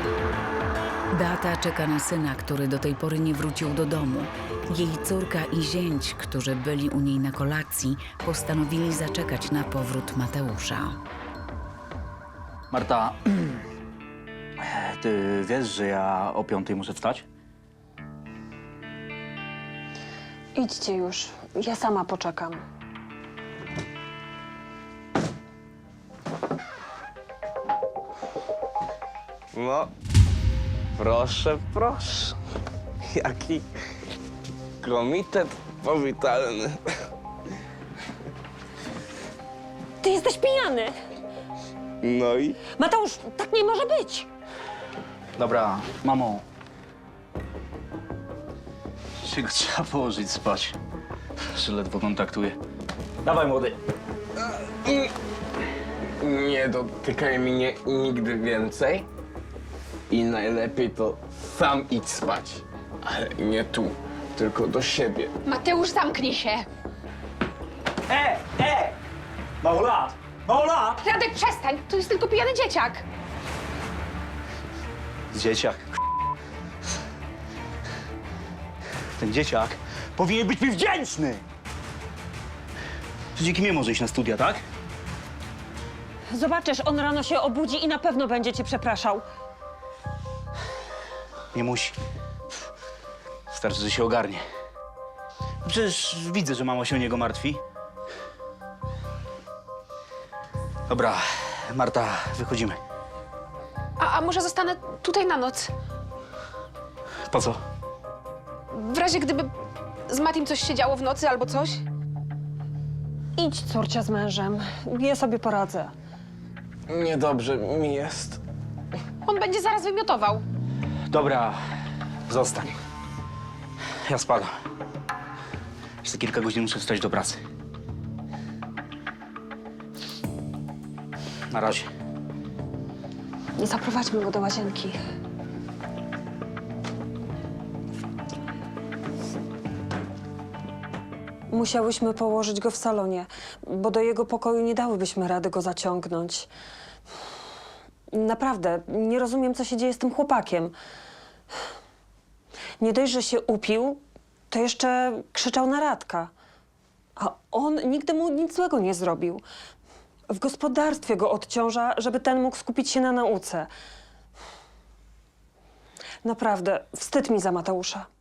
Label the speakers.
Speaker 1: Beata czeka na syna, który do tej pory nie wrócił do domu. Jej córka i zięć, którzy byli u niej na kolacji, postanowili zaczekać na powrót Mateusza.
Speaker 2: Marta, ty wiesz, że ja o 5 muszę wstać?
Speaker 3: Idźcie już. Ja sama poczekam.
Speaker 4: No, proszę, proszę. Jaki komitet powitalny.
Speaker 3: Ty jesteś pijany!
Speaker 4: No i?
Speaker 3: Mateusz, tak nie może być!
Speaker 2: Dobra, mamo. Się go trzeba położyć spać. Że ledwo kontaktuje. Dawaj, młody.
Speaker 4: Nie dotykaj mnie nigdy więcej. I najlepiej to sam idź spać. Ale nie tu, tylko do siebie.
Speaker 5: Mateusz, zamknij się!
Speaker 2: Małolat! Małolat!
Speaker 5: Radek, przestań! To jest tylko pijany dzieciak!
Speaker 2: Dzieciak. Ten dzieciak powinien być mi wdzięczny! To dzięki mnie może iść na studia, tak?
Speaker 3: Zobaczysz, on rano się obudzi i na pewno będzie cię przepraszał.
Speaker 2: Nie musi. Starczy, że się ogarnie. Przecież widzę, że mama się o niego martwi. Dobra, Marta, wychodzimy.
Speaker 5: A może zostanę tutaj na noc?
Speaker 2: Po co?
Speaker 5: W razie gdyby z Matim coś się działo w nocy albo coś?
Speaker 3: Idź, córcia, z mężem. Ja sobie poradzę.
Speaker 4: Niedobrze mi jest.
Speaker 5: On będzie zaraz wymiotował.
Speaker 2: Dobra, zostań. Ja spadam. Jeszcze kilka godzin muszę wstać do pracy. Na razie.
Speaker 3: Zaprowadźmy go do łazienki. Musiałyśmy położyć go w salonie, bo do jego pokoju nie dałybyśmy rady go zaciągnąć. Naprawdę, nie rozumiem, co się dzieje z tym chłopakiem. Nie dość, że się upił, to jeszcze krzyczał na Radka. A on nigdy mu nic złego nie zrobił. W gospodarstwie go odciąża, żeby ten mógł skupić się na nauce. Naprawdę, wstyd mi za Mateusza.